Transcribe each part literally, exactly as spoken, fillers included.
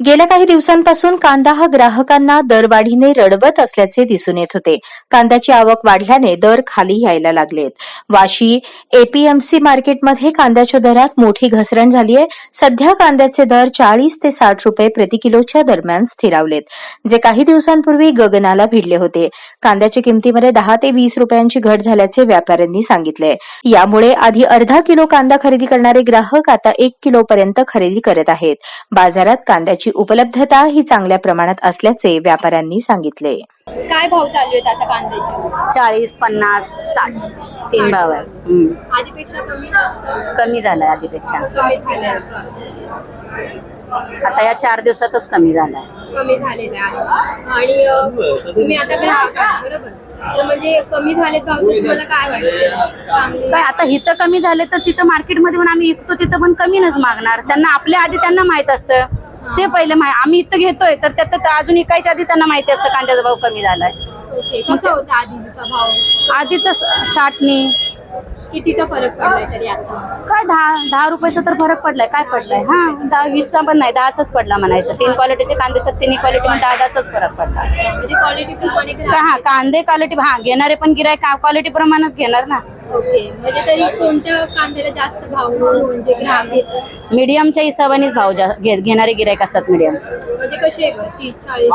गेल्या काही दिवसांपासून कांदा हा ग्राहकांना दरवाढीने रडवत असल्याचे दिसून येत होते. कांद्याची आवक वाढल्याने दर खाली यायला लागलेत. वाशी एपीएमसी मार्केटमध्ये कांद्याच्या दरात मोठी घसरण झाली आहे. सध्या कांद्याचे दर चाळीस ते साठ रुपये प्रति किलोच्या दरम्यान स्थिरावलेत, जे काही दिवसांपूर्वी गगनाला भिडले होते. कांद्याच्या किमतीमध्ये दहा ते वीस रुपयांची घट झाल्याचे व्यापाऱ्यांनी सांगितले. यामुळे आधी अर्धा किलो कांदा खरेदी करणारे ग्राहक आता एक किलो पर्यंत खरेदी करत आहेत. बाजारात कांद्याची उपलब्धता ही चांगल्या प्रमाणात असल्याचे व्यापाऱ्यांनी सांगितले. काय भाव चालू आहेत आता कांद्याचे? चाळीस, पन्नास, साठ तीन भाव आहे. हम्म. आधीपेक्षा कमी जास्त कमी झालाय आधीपेक्षा. कमी झालंय आता या चार दिवसातच कमी झालाय. कमी झालेलं आहे. आणि अ, तुम्ही आता ग्राहक आहात, बरोबर? तर म्हणजे कमी झालेत भाव, तर तुम्हाला काय वाटतं? चांगले काय आता इथं कमी झाले तर तिथं मार्केटमध्ये पण आम्ही विकतो तिथं पण कमीनच मागणार. त्यांना आपल्या आधी त्यांना माहित असतं. ते पहिले माहिती आम्ही इथं घेतोय तर त्यात अजून इकायच्या आधी त्यांना माहिती असतं कांद्याचा भाव कमी झालाय. ओके. कसा होता आधीचा भाव? आधीचा साठनी कितीचा फरक पडलाय तरी आता? काय दहा दहा रुपयाचा तर फरक पडलाय. काय पडलाय? हा दहा वीसचा पण नाही, दहाचाच पडला म्हणायचं. तीन क्वालिटीचे कांदे तर तिन्ही क्वालिटी दहा दहाचाच फरक पडला. म्हणजे क्वालिटी पण कोणी का हा कांदे क्वालिटी हा घेणारे पण गिरायक क्वालिटी प्रमाणच घेणार ना. ओके. म्हणजे तरी कोणत्या कांद्याला जास्त भाव म्हणजे ग्राहक घेतात? मीडियमच्या हिशोबानेच भाव जा- घे- घेणारे गिरायक असतात मीडियम. म्हणजे कसे आहे? तीस चाळीस?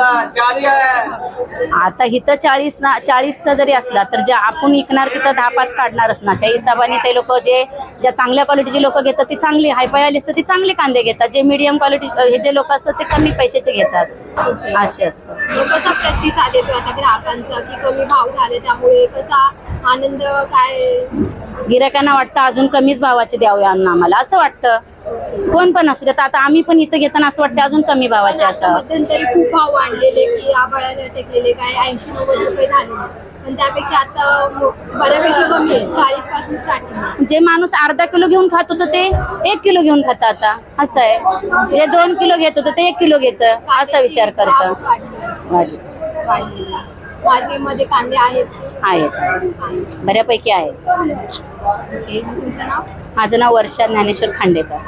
आता इथं चाळीस ना चाळीसचा जरी असला तर जे आपण विकणार तिथं दहा पाच काढणारच ना. त्या हिशोबाने ते लोक जे ज्या चांगल्या क्वालिटीचे लोक घेतात ते चांगले हायफाय आली असतात ते चांगले कांदे घेतात. जे मीडियम क्वालिटी हे जे लोक असतात ते कमी पैशाचे घेतात. ओके. असे असतं. मग कसा प्रतिसाद येतो आता ग्राहकांचा की कमी भाव झाले त्यामुळे कसा आनंद काय? गिरायकांना वाटतं अजून कमीच भावाचे द्यावे आम्हाला असं वाटतं. कोण पण असू देत. आता आम्ही पण इथं घेताना असं वाटतं अजून कमी भावाचे आता असं. मध्यंतरी खूप भाव वाढलेले की आभाळाला टेकलेले काय ऐंशी नव्वद रुपये झाले, पण त्यापेक्षा आता बऱ्यापैकी कमी आहे. चाळीस पासून स्टार्टिंग. जे माणूस अर्धा किलो घेऊन खात होतं ते एक किलो घेऊन खातं आता असं आहे. जे दोन किलो घेत होतं ते एक किलो घेतं असा विचार करतं. वाढले. मार्केटमध्ये कांदे आहेत आहेत बऱ्यापैकी आहेत. ओके. तुमचं नाव? माझं नाव वर्षा ज्ञानेश्वर खांडेकर.